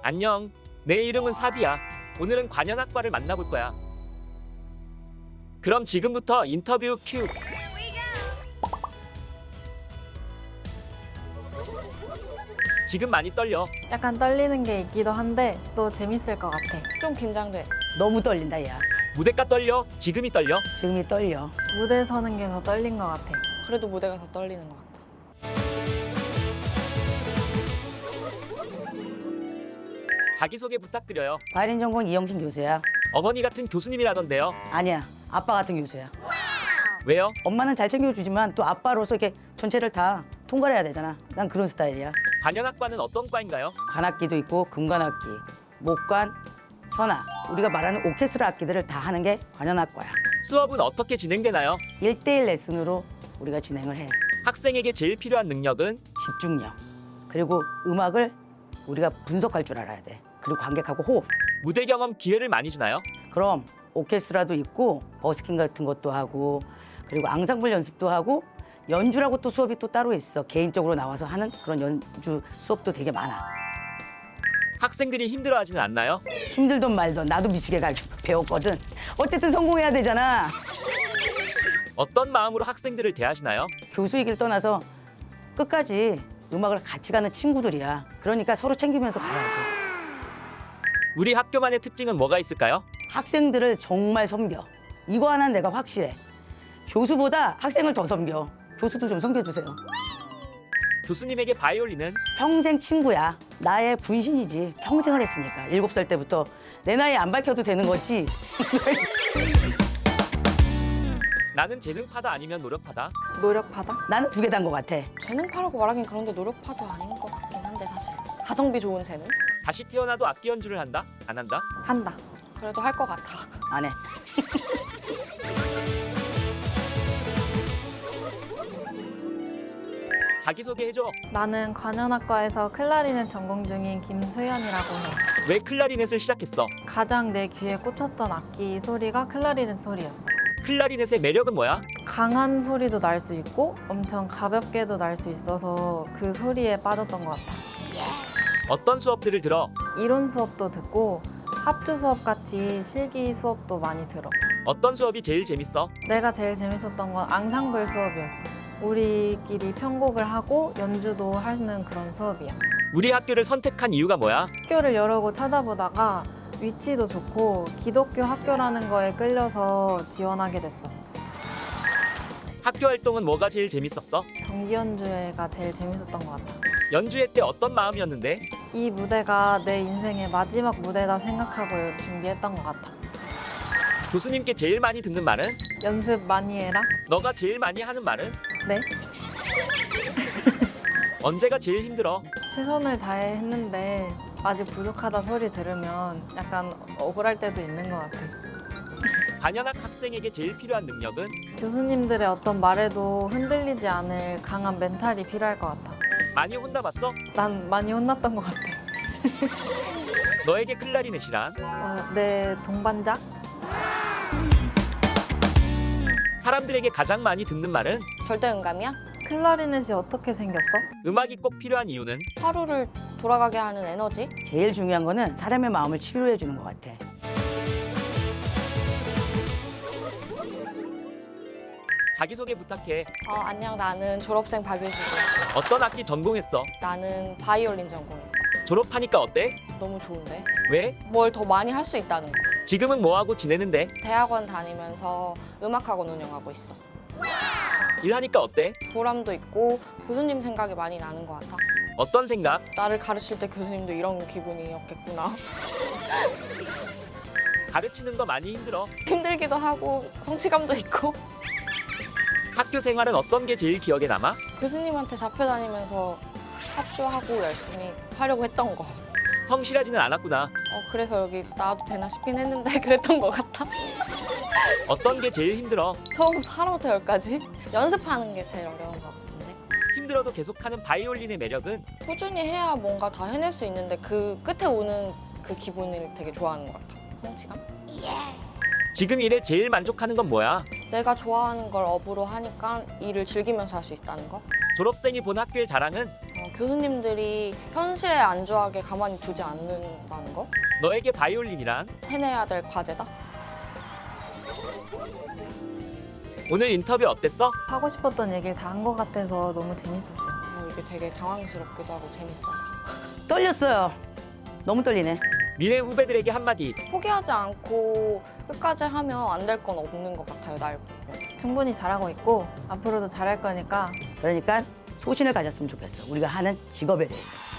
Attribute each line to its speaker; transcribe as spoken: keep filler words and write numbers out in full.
Speaker 1: 안녕. 내 이름은 사비야. 오늘은 관현악과를 만나볼 거야. 그럼 지금부터 인터뷰 큐. 지금 많이 떨려.
Speaker 2: 약간 떨리는 게 있기도 한데 또 재밌을 것 같아.
Speaker 3: 좀 긴장돼.
Speaker 4: 너무 떨린다 야.
Speaker 1: 무대가 떨려. 지금이 떨려.
Speaker 4: 지금이 떨려.
Speaker 2: 무대 서는 게 더 떨린 것 같아.
Speaker 3: 그래도 무대가 더 떨리는 것 같아.
Speaker 1: 자기소개 부탁드려요.
Speaker 4: 바이올린 전공 이영신 교수야.
Speaker 1: 어머니 같은 교수님이라던데요.
Speaker 4: 아니야, 아빠 같은 교수야.
Speaker 1: 왜요?
Speaker 4: 엄마는 잘 챙겨주지만 또 아빠로서 이렇게 전체를 다 통과해야 되잖아. 난 그런 스타일이야.
Speaker 1: 관현악과는 어떤 과인가요?
Speaker 4: 관악기도 있고 금관악기, 목관, 현악. 우리가 말하는 오케스트라 악기들을 다 하는 게 관현악과야.
Speaker 1: 수업은 어떻게 진행되나요?
Speaker 4: 일대일 레슨으로 우리가 진행을 해.
Speaker 1: 학생에게 제일 필요한 능력은?
Speaker 4: 집중력. 그리고 음악을 우리가 분석할 줄 알아야 돼. 그리고 관객하고 호흡.
Speaker 1: 무대 경험 기회를 많이 주나요?
Speaker 4: 그럼 오케스트라도 있고 버스킹 같은 것도 하고 그리고 앙상블 연습도 하고 연주라고 또 수업이 또 따로 있어. 개인적으로 나와서 하는 그런 연주 수업도 되게 많아.
Speaker 1: 학생들이 힘들어하지는 않나요?
Speaker 4: 힘들던 말던 나도 미치게 가르쳐 배웠거든. 어쨌든 성공해야 되잖아.
Speaker 1: 어떤 마음으로 학생들을 대하시나요?
Speaker 4: 교수이길 떠나서 끝까지 음악을 같이 가는 친구들이야. 그러니까 서로 챙기면서 가야지.
Speaker 1: 우리 학교만의 특징은 뭐가 있을까요?
Speaker 4: 학생들을 정말 섬겨. 이거 하나는 내가 확실해. 교수보다 학생을 더 섬겨. 교수도 좀 섬겨주세요.
Speaker 1: 교수님에게 바이올린은?
Speaker 4: 평생 친구야. 나의 분신이지. 평생을 했으니까. 일곱 살 때부터. 내 나이 안 밝혀도 되는 거지.
Speaker 1: 나는 재능파다 아니면 노력파다?
Speaker 2: 노력하다?
Speaker 4: 나는 두 개 단 것 같아.
Speaker 3: 재능파라고 말하긴 그런데 노력파도 아닌 것 같긴 한데 사실. 가성비 좋은 재능?
Speaker 1: 다시 태어나도 악기 연주를 한다? 안 한다?
Speaker 2: 한다.
Speaker 3: 그래도 할 것 같아.
Speaker 4: 안 해.
Speaker 1: 자기소개해줘.
Speaker 2: 나는 관현악과에서 클라리넷 전공 중인 김수연이라고 해.
Speaker 1: 왜 클라리넷을 시작했어?
Speaker 2: 가장 내 귀에 꽂혔던 악기 소리가 클라리넷 소리였어.
Speaker 1: 클라리넷의 매력은 뭐야?
Speaker 2: 강한 소리도 날 수 있고 엄청 가볍게도 날 수 있어서 그 소리에 빠졌던 것 같아.
Speaker 1: 어떤 수업들을 들어?
Speaker 2: 이론 수업도 듣고 합주 수업 같이 실기 수업도 많이 들어.
Speaker 1: 어떤 수업이 제일 재밌어?
Speaker 2: 내가 제일 재밌었던 건 앙상블 수업이었어. 우리끼리 편곡을 하고 연주도 하는 그런 수업이야.
Speaker 1: 우리 학교를 선택한 이유가 뭐야?
Speaker 2: 학교를 여러 곳 찾아보다가 위치도 좋고 기독교 학교라는 거에 끌려서 지원하게 됐어.
Speaker 1: 학교 활동은 뭐가 제일 재밌었어?
Speaker 2: 정기 연주회가 제일 재밌었던 것 같아.
Speaker 1: 연주회 때 어떤 마음이었는데?
Speaker 2: 이 무대가 내 인생의 마지막 무대다 생각하고 준비했던 것 같아.
Speaker 1: 교수님께 제일 많이 듣는 말은?
Speaker 2: 연습 많이 해라?
Speaker 1: 너가 제일 많이 하는 말은?
Speaker 2: 네?
Speaker 1: 언제가 제일 힘들어?
Speaker 2: 최선을 다해 했는데 아직 부족하다 소리 들으면 약간 억울할 때도 있는 것 같아.
Speaker 1: 관현악 학생에게 제일 필요한 능력은?
Speaker 2: 교수님들의 어떤 말에도 흔들리지 않을 강한 멘탈이 필요할 것 같아.
Speaker 1: 많이 혼나봤어?
Speaker 2: 난 많이 혼났던 것 같아.
Speaker 1: 너에게 클라리넷이란?
Speaker 2: 어, 내 동반자?
Speaker 1: 사람들에게 가장 많이 듣는 말은?
Speaker 3: 절대 음감이야?
Speaker 2: 클라리넷이 어떻게 생겼어?
Speaker 1: 음악이 꼭 필요한 이유는?
Speaker 3: 하루를 돌아가게 하는 에너지?
Speaker 4: 제일 중요한 거는 사람의 마음을 치료해 주는 것 같아.
Speaker 1: 자기소개 부탁해.
Speaker 3: 어, 안녕, 나는 졸업생 박유진이야.
Speaker 1: 어떤 악기 전공했어?
Speaker 3: 나는 바이올린 전공했어.
Speaker 1: 졸업하니까 어때?
Speaker 3: 너무 좋은데?
Speaker 1: 왜?
Speaker 3: 뭘 더 많이 할 수 있다는 거.
Speaker 1: 지금은 뭐하고 지내는데?
Speaker 3: 대학원 다니면서 음악학원 운영하고 있어.
Speaker 1: 일하니까 어때?
Speaker 3: 보람도 있고 교수님 생각이 많이 나는 것 같아.
Speaker 1: 어떤 생각?
Speaker 3: 나를 가르칠 때 교수님도 이런 기분이었겠구나.
Speaker 1: 가르치는 거 많이 힘들어.
Speaker 3: 힘들기도 하고 성취감도 있고.
Speaker 1: 학교 생활은 어떤 게 제일 기억에 남아?
Speaker 3: 교수님한테 잡혀다니면서 합주하고 열심히 하려고 했던 거. 어,
Speaker 1: 성실하지는 않았구나.
Speaker 3: 그래서 여기 나와도 되나 싶긴 했는데 그랬던 것 같아.
Speaker 1: 어떤 게 제일 힘들어?
Speaker 3: 처음부터 하나부터 열까지 연습하는 게 제일 어려운 것 같은데.
Speaker 1: 힘들어도 계속하는 바이올린의 매력은?
Speaker 3: 꾸준히 해야 뭔가 다 해낼 수 있는데 그 끝에 오는 그 기분을 되게 좋아하는 것 같아. 성취감?
Speaker 1: 지금 일에 제일 만족하는 건 뭐야?
Speaker 3: 내가 좋아하는 걸 업으로 하니까 일을 즐기면서 할 수 있다는 거.
Speaker 1: 졸업생이 본 학교의 자랑은?
Speaker 3: 어, 교수님들이 현실에 안주하게 가만히 두지 않는다는 거?
Speaker 1: 너에게 바이올린이란?
Speaker 3: 해내야 될 과제다?
Speaker 1: 오늘 인터뷰 어땠어?
Speaker 2: 하고 싶었던 얘기를 다 한 것 같아서 너무 재밌었어요.
Speaker 3: 어, 이게 되게 당황스럽기도 하고 재밌어요.
Speaker 4: 떨렸어요. 너무 떨리네.
Speaker 1: 미래 후배들에게 한마디.
Speaker 3: 포기하지 않고 끝까지 하면 안 될 건 없는 것 같아요, 날 보면.
Speaker 2: 충분히 잘하고 있고 앞으로도 잘할 거니까
Speaker 4: 그러니까 소신을 가졌으면 좋겠어. 우리가 하는 직업에 대해서.